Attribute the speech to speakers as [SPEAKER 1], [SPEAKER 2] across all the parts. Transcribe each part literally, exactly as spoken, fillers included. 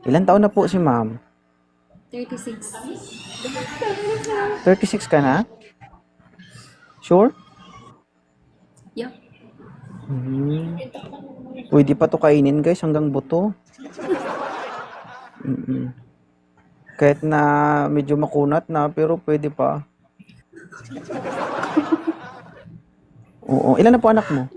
[SPEAKER 1] Ilan taon na po si ma'am?
[SPEAKER 2] thirty-six.
[SPEAKER 1] thirty-six ka na? Sure?
[SPEAKER 2] Yup.
[SPEAKER 1] Hmm. Pwede pa to kainin guys hanggang buto. Mm-mm. Kahit na medyo makunat na pero pwede pa. Oo. Ilan na po anak mo?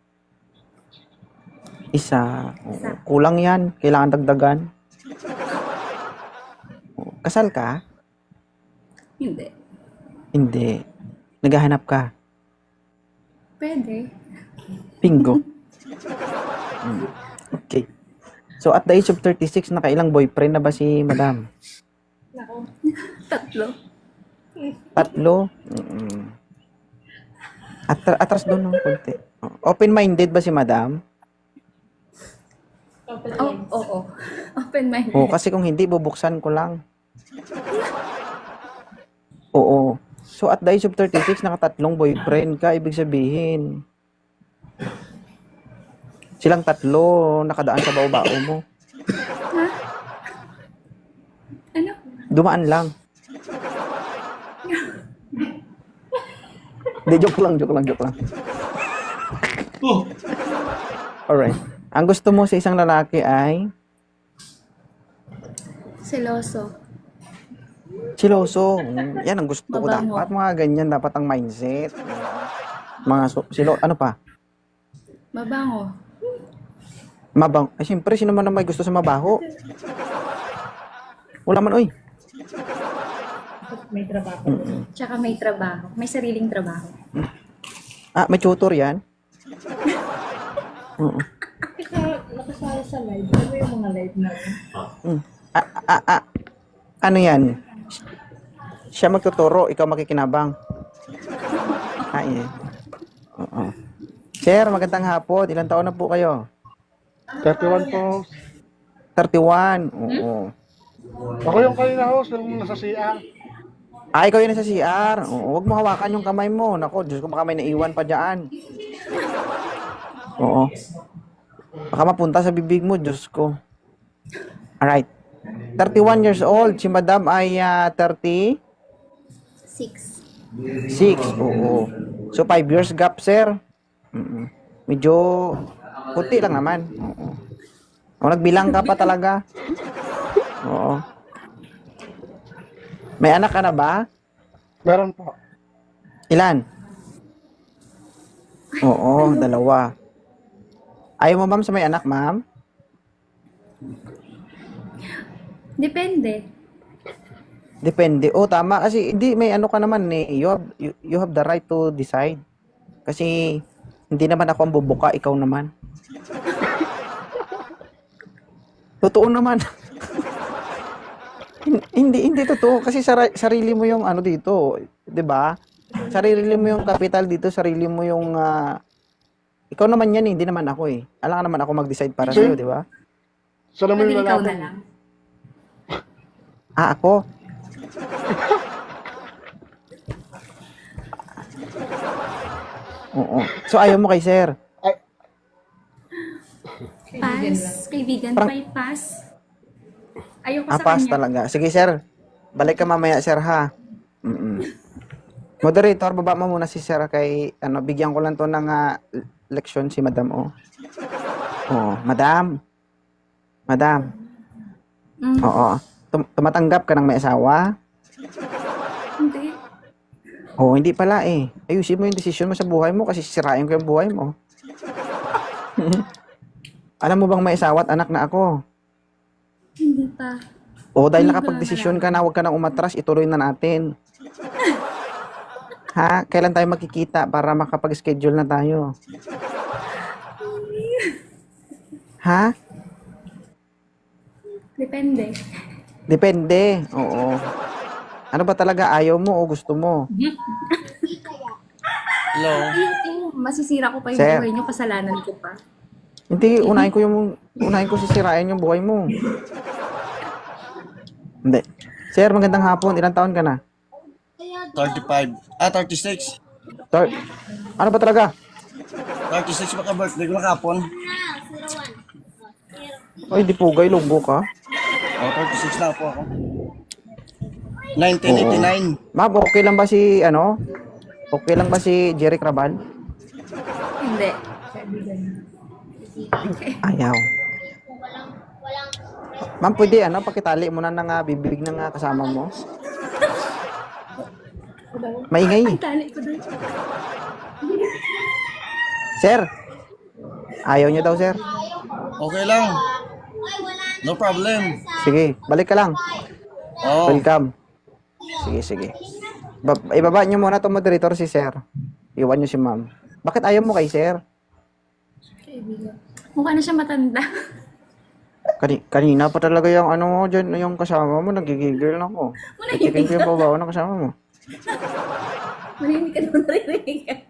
[SPEAKER 1] Isa. Oo. Kulang yan. Kailangan dagdagan. Oo. Kasal ka?
[SPEAKER 2] Hindi.
[SPEAKER 1] Hindi. Naghahanap ka?
[SPEAKER 2] Pwede.
[SPEAKER 1] Bingo. Mm. Okay. So at the age of thirty-six, nakailang boyfriend na ba si madam?
[SPEAKER 2] Tatlo.
[SPEAKER 1] Tatlo? Mm-mm. At atras doon ng konti. Open-minded ba si madam?
[SPEAKER 2] Oh, oo. Open-minded.
[SPEAKER 1] Oo, kasi kung hindi, bubuksan ko lang. Oo. So at the age of thirty-six, nakatatlong boyfriend ka, ibig sabihin. Silang tatlo, nakadaan sa bao-bao mo.
[SPEAKER 2] Ha? Ano?
[SPEAKER 1] Dumaan lang. Hindi, joke lang, joke lang, joke lang. Alright. Ang gusto mo sa isang lalaki ay
[SPEAKER 2] Seloso.
[SPEAKER 1] siloso. Mm, yan ang gusto ko
[SPEAKER 2] Mabango.
[SPEAKER 1] dapat. Mga ganyan dapat ang mindset. Mga so, silo, ano pa?
[SPEAKER 2] Mabango.
[SPEAKER 1] Mabang. Ay, siyempre, sino man ang may gusto sa mabaho? Wala man, oy.
[SPEAKER 3] May trabaho.
[SPEAKER 1] Mm-mm.
[SPEAKER 2] Tsaka may trabaho. May sariling trabaho.
[SPEAKER 1] Ah, may tutor yan? Oo.
[SPEAKER 3] Kasi nakasali sa live. Ano yung mga live na yun?
[SPEAKER 1] Mm. Ah, ah, ah. Ano yan? Siya magtuturo, ikaw makikinabang. Ah, yeah. Oo. Sir, magandang hapon. Ilan taon na po kayo?
[SPEAKER 4] thirty-one po.
[SPEAKER 1] thirty-one. Oo.
[SPEAKER 4] Ako yung kanina host, yung nasa C R.
[SPEAKER 1] Ah, ikaw yun sa C R. Oo, huwag mo hawakan yung kamay mo. Nako, Diyos ko, baka may naiwan pa dyan. Oo. Baka mapunta sa bibig mo, Diyos ko. Alright. thirty-one years old. Si madam ay uh, thirty-six.
[SPEAKER 2] Six.
[SPEAKER 1] Oo. So, five years gap, sir. Mm-mm. Medyo puti lang naman. Oo. O, nagbilang ka pa talaga. Oo. May anak ka na ba?
[SPEAKER 4] Meron po.
[SPEAKER 1] Ilan? Oo, dalawa. Ayaw mo, ma'am, sa may anak, ma'am?
[SPEAKER 2] Depende.
[SPEAKER 1] Depende. Oh, tama. Kasi, hindi, may ano ka naman eh. You have, you, you have the right to decide. Kasi, hindi naman ako ang bubuka, ikaw naman. Totoo naman. Hin- hindi, hindi totoo. Kasi sara- sarili mo yung ano dito. 'Di ba? Sarili mo yung capital dito, sarili mo yung... ah, ikaw naman yan eh, hindi naman ako eh. Alam ka naman ako mag-decide para sa'yo, di ba?
[SPEAKER 4] So naman
[SPEAKER 2] Pwede
[SPEAKER 4] yung
[SPEAKER 2] ikaw
[SPEAKER 4] lalaki.
[SPEAKER 2] na lang.
[SPEAKER 1] Ah, ako? Oo. So, ayaw mo kay sir?
[SPEAKER 2] Pass. Kaibigan
[SPEAKER 1] Parang-
[SPEAKER 2] pa pass. Ayoko
[SPEAKER 1] Ah,
[SPEAKER 2] sa
[SPEAKER 1] pass
[SPEAKER 2] kanya.
[SPEAKER 1] talaga. Sige, sir. Balik ka mamaya, sir, ha? Mm-mm. Moderator, baba mo muna si sir kay, ano, bigyan ko lang to ng ah, leksyon si madam, oh. Oo, madam. Madam.
[SPEAKER 2] Mm,
[SPEAKER 1] Oo. Tum- tumatanggap ka ng may asawa?
[SPEAKER 2] hindi.
[SPEAKER 1] Oo, hindi pala eh. Ayusin mo yung desisyon mo sa buhay mo kasi sisirain ko yung buhay mo. Alam mo bang may asawa at anak na ako?
[SPEAKER 2] Hindi pa.
[SPEAKER 1] Oo, dahil
[SPEAKER 2] Hindi ko
[SPEAKER 1] nakapag-desisyon
[SPEAKER 2] na
[SPEAKER 1] ka na, huwag ka nang umatras, ituloy na natin. Ha? Kailan tayo makikita para makapag-schedule na tayo? Ha?
[SPEAKER 2] Depende.
[SPEAKER 1] Depende. Oo. Ano ba talaga? Ayaw mo o gusto mo?
[SPEAKER 5] Hello.
[SPEAKER 2] Yung, yung masisira ko pa yung
[SPEAKER 1] Sir.
[SPEAKER 2] buhay niyo, kasalanan ko pa.
[SPEAKER 1] Hindi, unahin ko yung unahin ko sisirain yung buhay mo. Hindi. Sir, magandang hapon. Ilang taon ka na?
[SPEAKER 5] thirty-five. Ah, thirty-six.
[SPEAKER 1] Sir, ano ba talaga?
[SPEAKER 5] thirty-six baka birthday ko na kapon.
[SPEAKER 1] Ay, di pugay, lunggo ka.
[SPEAKER 5] Oh, thirty-six na po ako. nineteen eighty-nine.
[SPEAKER 1] Ma'am, okay lang ba si, ano? Okay lang ba si Jerry Crabal?
[SPEAKER 2] Hindi.
[SPEAKER 1] Ayaw. Ma'am, pwede, ano, pakitali mo na ng ah, bibig ng ah, kasama mo. Maingay.
[SPEAKER 2] Ang tali ko doon.
[SPEAKER 1] Sir. Ayaw niyo daw, sir.
[SPEAKER 5] Okay lang. No problem.
[SPEAKER 1] Sige, balik ka lang.
[SPEAKER 5] Oh,
[SPEAKER 1] Welcome. Sige, sige. Ba- ibaba niyo muna itong moderator si sir. Iwan niyo si ma'am. Bakit ayaw mo kay sir?
[SPEAKER 2] Mukha na siya matanda.
[SPEAKER 1] Kani kanina pa talaga yung ano mo dyan, yung kasama mo, nagigigil na ako. Chicken ko yung babaw ng kasama mo.
[SPEAKER 2] Marinig ka doon, narinig ka.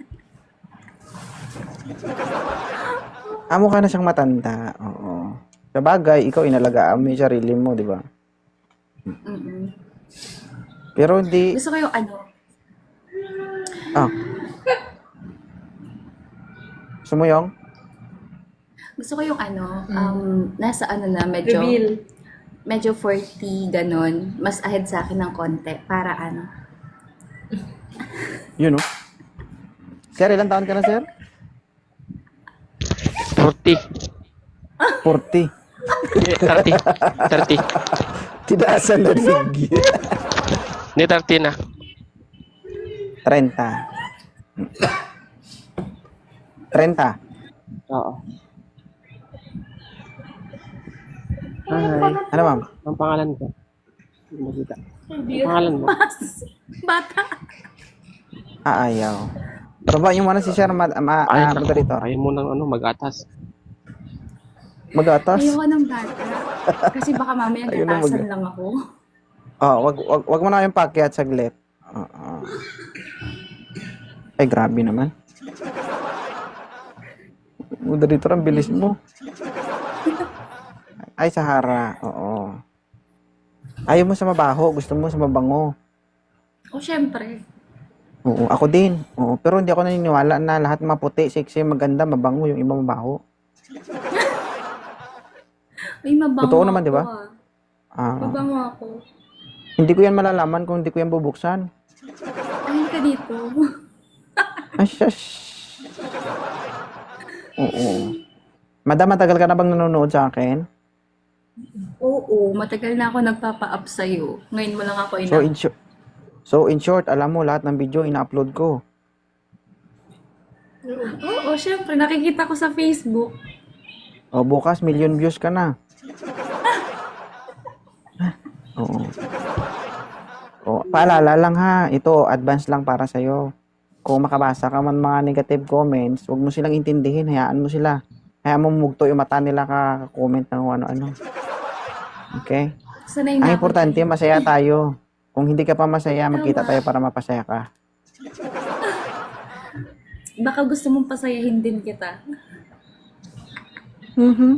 [SPEAKER 1] Amo ka na siyang matanda. Oo. Sa bagay, ikaw inalagaan mo yung sarili mo, di ba?
[SPEAKER 2] Mm-mm.
[SPEAKER 1] Pero hindi...
[SPEAKER 2] Gusto ko yung ano,
[SPEAKER 1] Ah. Sumuyong?
[SPEAKER 2] gusto ko yung ano, um, nasa ano na, medyo,
[SPEAKER 3] Reveal.
[SPEAKER 2] medyo forty, ganon. Mas ahead sa akin ng konti. Para ano.
[SPEAKER 1] Yun, no? Sir, ilang taon ka na, sir?
[SPEAKER 6] forty.
[SPEAKER 1] forty.
[SPEAKER 6] Eh, thirty. thirty.
[SPEAKER 1] Tidaasan na rig.
[SPEAKER 6] Hindi, thirty na.
[SPEAKER 1] thirty. thirty.
[SPEAKER 6] Oo.
[SPEAKER 1] Ay. Ano, ma'am?
[SPEAKER 6] Ang pangalan ko. Hindi makita. Ang pangalan mo.
[SPEAKER 2] Bata.
[SPEAKER 1] Ah, ayaw. Baba yung muna si sir, ma, ma,
[SPEAKER 6] Ay,
[SPEAKER 1] ah,
[SPEAKER 6] naku.
[SPEAKER 1] moderator.
[SPEAKER 6] Ayaw mo ng ano, mag-atas.
[SPEAKER 1] Mag-atas?
[SPEAKER 2] Ayoko ng bata. Kasi baka mamaya
[SPEAKER 1] Ayun na
[SPEAKER 2] gatasan
[SPEAKER 1] mag-
[SPEAKER 2] lang ako.
[SPEAKER 1] Oh, wag, wag, wag mo na yung pakyat saglit. Oo. Ay, grabe naman. Moderator, ang bilis mo. Ay, Sahara. Oo. Ayaw mo sa mabaho, gusto mo sa mabango.
[SPEAKER 2] O, syempre.
[SPEAKER 1] Oo, ako din. Oo, pero hindi ako naniniwala na lahat maputi, sexy, maganda, mabango, yung iba mabaho.
[SPEAKER 2] Ay, mabango
[SPEAKER 1] Totoo naman, di ba?
[SPEAKER 2] ako, ah.
[SPEAKER 1] Ah,
[SPEAKER 2] Mabango ako.
[SPEAKER 1] hindi ko yan malalaman kung hindi ko yan bubuksan.
[SPEAKER 2] Ay, ka dito.
[SPEAKER 1] Ay, shush. Oo. Madam, matagal ka na bang nanonood sa akin?
[SPEAKER 2] Oo, matagal na ako nagpapa-up sa'yo. Ngayon mo lang ako ina.
[SPEAKER 1] So in, short, so, in short, alam mo, lahat ng video ina-upload ko.
[SPEAKER 2] Oo, syempre. Nakikita ko sa Facebook.
[SPEAKER 1] O, bukas, million views ka na. Oo. O, paalala lang ha, ito, advance lang para sa'yo. Kung makabasa ka man mga negative comments, huwag mo silang intindihin, hayaan mo sila. Hayaan mo mugto yung mata nila ka-comment ng ano-ano. Okay?
[SPEAKER 2] Sanay
[SPEAKER 1] Ang
[SPEAKER 2] na ako
[SPEAKER 1] importante,
[SPEAKER 2] dyan.
[SPEAKER 1] masaya tayo. Kung hindi ka pa masaya, magkita tayo para mapasaya ka.
[SPEAKER 2] Baka gusto mong pasayahin din kita.
[SPEAKER 1] Mhm.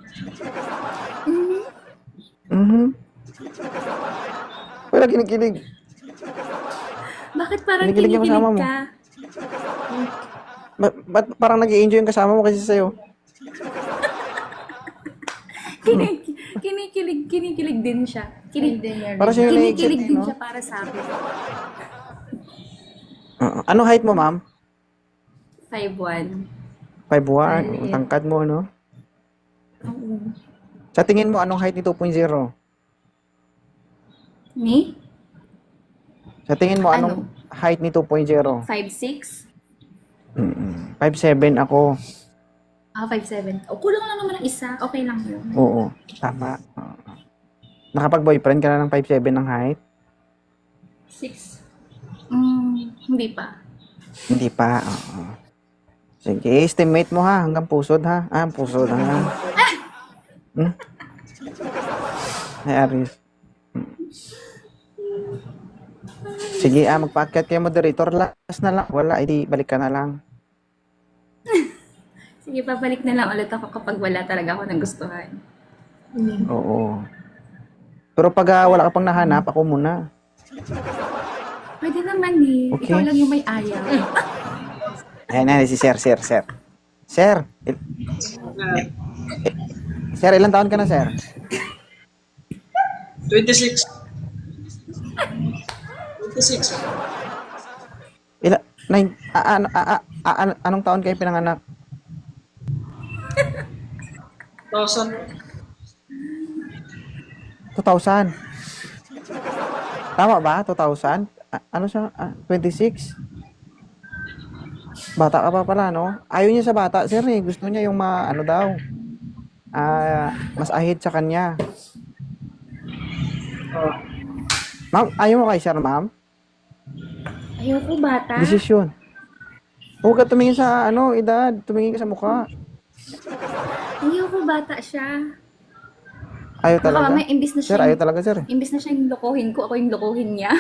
[SPEAKER 1] Mhm. Wala kinikilig.
[SPEAKER 2] Bakit parang
[SPEAKER 1] Kinikilig yung
[SPEAKER 2] kinikilig
[SPEAKER 1] kasama mo.
[SPEAKER 2] ka?
[SPEAKER 1] Ba- ba't parang nag-i-enjoy yung kasama mo kasi sa'yo?
[SPEAKER 2] Kinik kinikilig, kinikilig din siya. Kinig,
[SPEAKER 1] Para sa'yo na-exit,
[SPEAKER 2] kinikilig din
[SPEAKER 1] no?
[SPEAKER 2] siya para sa akin.
[SPEAKER 1] Oo. Ano height mo, ma'am?
[SPEAKER 2] five one.
[SPEAKER 1] five one. Tangkad mo, no?
[SPEAKER 2] Oo.
[SPEAKER 1] Sa tingin mo, anong height ni two point oh?
[SPEAKER 2] Me?
[SPEAKER 1] Sa tingin mo, anong
[SPEAKER 2] Ano?
[SPEAKER 1] height ni two point oh?
[SPEAKER 2] five six?
[SPEAKER 1] Mm-mm. five seven ako.
[SPEAKER 2] Ah, five seven. O, kulang lang naman ng isa. Okay lang yun.
[SPEAKER 1] Oo. Tama. Oo. Nakapag-boyfriend ka na ng five seven ng height?
[SPEAKER 2] six? Mm, hindi pa.
[SPEAKER 1] Hindi pa. Oo. Sige, estimate mo ha. Hanggang pusod ha. Ah, pusod ha. Hmm? Ay, Aris. Hmm. Sige, ah, magpaakyat kayo moderator. Last na lang. Wala, edi balik ka na lang.
[SPEAKER 2] Sige, babalik na lang ulit ako kapag wala talaga ako ng gustuhan.
[SPEAKER 1] Oo. Pero pag ah, wala ka pang nahanap, ako muna.
[SPEAKER 2] Pwede naman eh.
[SPEAKER 1] Okay.
[SPEAKER 2] Ikaw lang yung may ayaw.
[SPEAKER 1] Ayan, ayan, si Sir, Sir, Sir. Sir, il- Sir, ilang taon ka na, Sir?
[SPEAKER 7] twenty-six. twenty-six.
[SPEAKER 1] Ila, nine, a, a, a, a, a, an- anong taon kayo pinanganak?
[SPEAKER 7] Thousand.
[SPEAKER 1] two thousand. Tama ba? two thousand? A- ano siya? Ah, twenty-six? Bata ka pa pala, no? Ayaw niya sa bata, sir, eh. Gusto niya yung ma, ano daw, ah, mas ahid sa kanya. Ma'am, ayaw mo kay sir, ma'am?
[SPEAKER 2] Ayoko bata.
[SPEAKER 1] Desisyon. Huwag ka tumingin sa, ano, edad. Tumingin ka sa mukha.
[SPEAKER 2] Ayoko bata siya.
[SPEAKER 1] Ayaw
[SPEAKER 2] Baka
[SPEAKER 1] talaga.
[SPEAKER 2] mamaya imbis na
[SPEAKER 1] Sir,
[SPEAKER 2] siya,
[SPEAKER 1] ayaw talaga, sir.
[SPEAKER 2] imbis na siya yung lokohin ko, ako yung lokohin niya.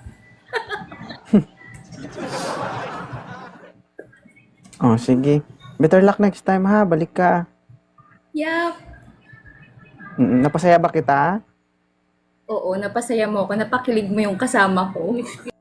[SPEAKER 1] Oh, sige. Better luck next time, ha? Balik ka.
[SPEAKER 2] Yup.
[SPEAKER 1] Mm, napasaya ba kita?
[SPEAKER 2] Oo, napasaya mo ako, napakilig mo yung kasama ko.